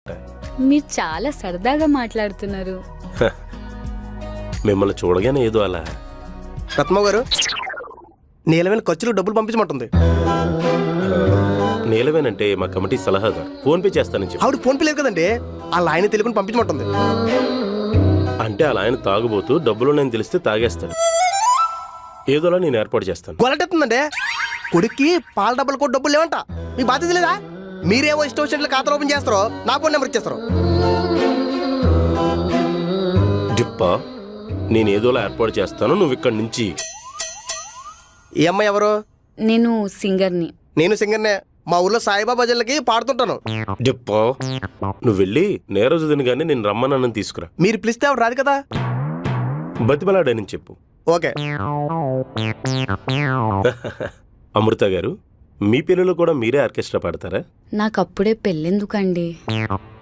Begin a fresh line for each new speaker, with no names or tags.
మీరు చాలా సరదాగా మాట్లాడుతున్నారు.
మిమ్మల్ని చూడగానే ఏదో అలా.
రత్మ గారు, నీలమైన ఖర్చులు డబ్బులు పంపించమంటుంది.
నీలవేనంటే మా కమిటీ సలహాదారు. ఫోన్ పే చేస్తానని చెప్పి.
ఆవిడ ఫోన్ పే లేదు కదండి, వాళ్ళ ఆయన తెలుగుని పంపించమంటుంది.
అంటే అలా ఆయన తాగుబోతూ డబ్బులు నేను తెలిస్తే తాగేస్తాడు. ఏదోలా నేను ఏర్పాటు చేస్తాను.
గొలటెత్తుందండి. కొడుక్కి పాల డబ్బులు కూడా డబ్బులు లేవంట. మీ బాధ్యత లేదా? మీరేవో ఇష్టం వచ్చినట్లు ఖాతాలు ఓపెన్ చేస్తారో నా ఫోన్ నెంబర్ ఇచ్చేస్తారు.
డిప్పా, నేను ఏదోలా ఏర్పాటు చేస్తాను. నువ్వు ఇక్కడి నుంచి.
ఈ అమ్మాయి ఎవరు?
నేను సింగర్ని.
నేను సింగర్నే. మా ఊర్లో సాయిబాబా జిల్లకి పాడుతుంటాను.
డిప్పా, నువ్వు వెళ్ళి నేరోజు దినగానే నేను రమ్మనని తీసుకురా.
మీరు పిలిస్తే ఆవిడ రాదు కదా.
బతిమలాడని చెప్పు.
ఓకే.
అమృత గారు, మీ పిల్లలు కూడా మీరే ఆర్కెస్ట్రా పాడతారా?
నాకప్పుడే పెళ్ళెందుకండి?